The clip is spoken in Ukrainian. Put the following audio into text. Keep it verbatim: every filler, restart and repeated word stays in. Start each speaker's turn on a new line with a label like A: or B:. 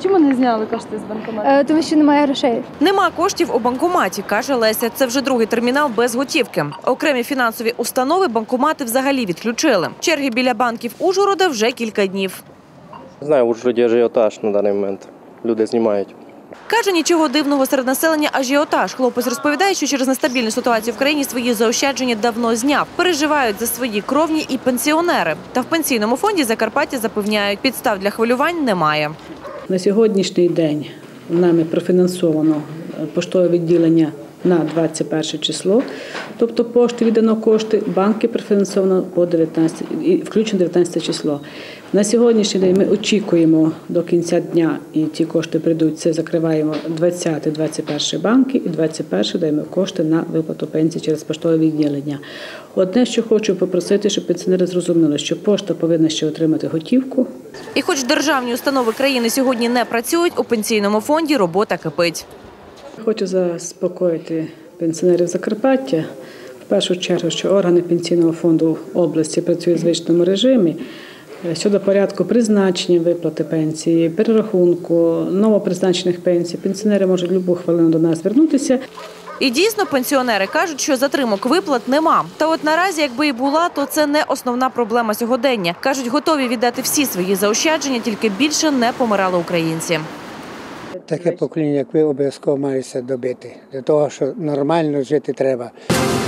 A: Чому не зняли кошти з банкомату?
B: Е, Тому що немає грошей.
C: Нема коштів у банкоматі, каже Леся. Це вже другий термінал без готівки. Окремі фінансові установи банкомати взагалі відключили. Черги біля банків Ужгорода вже кілька днів.
D: Знаю, в Ужгороді ажіотаж на даний момент. Люди знімають.
C: Каже, нічого дивного серед населення ажіотаж. Хлопець розповідає, що через нестабільну ситуацію в країні свої заощадження давно зняв. Переживають за свої кровні і пенсіонери. Та в пенсійному фонді Закарпаття запевняють, підстав для хвилювань немає.
E: На сьогоднішній день нами профінансовано поштове відділення на двадцять перше число, тобто пошти віддано кошти, банки профінансовано по дев'ятнадцяте, включно дев'ятнадцяте число. На сьогоднішній день ми очікуємо до кінця дня, і ті кошти прийдуть, це закриваємо двадцяте - двадцять перше банки, і двадцять перше даємо кошти на виплату пенсії через поштове відділення. Одне, що хочу попросити, щоб пенсіонери зрозуміли, що пошта повинна ще отримати готівку.
C: І хоч державні установи країни сьогодні не працюють, у пенсійному фонді робота кипить.
E: Хочу заспокоїти пенсіонерів Закарпаття. В першу чергу, що органи пенсійного фонду області працюють в звичному режимі. Щодо порядку призначення виплати пенсії, перерахунку, новопризначених пенсій, пенсіонери можуть будь-яку хвилину до нас звернутися.
C: І дійсно, пенсіонери кажуть, що затримок виплат нема. Та от наразі, якби і була, то це не основна проблема сьогодення. Кажуть, готові віддати всі свої заощадження, тільки більше не помирали українці.
F: Таке покоління, як ви, обов'язково маєте добити. Для того, що нормально жити треба.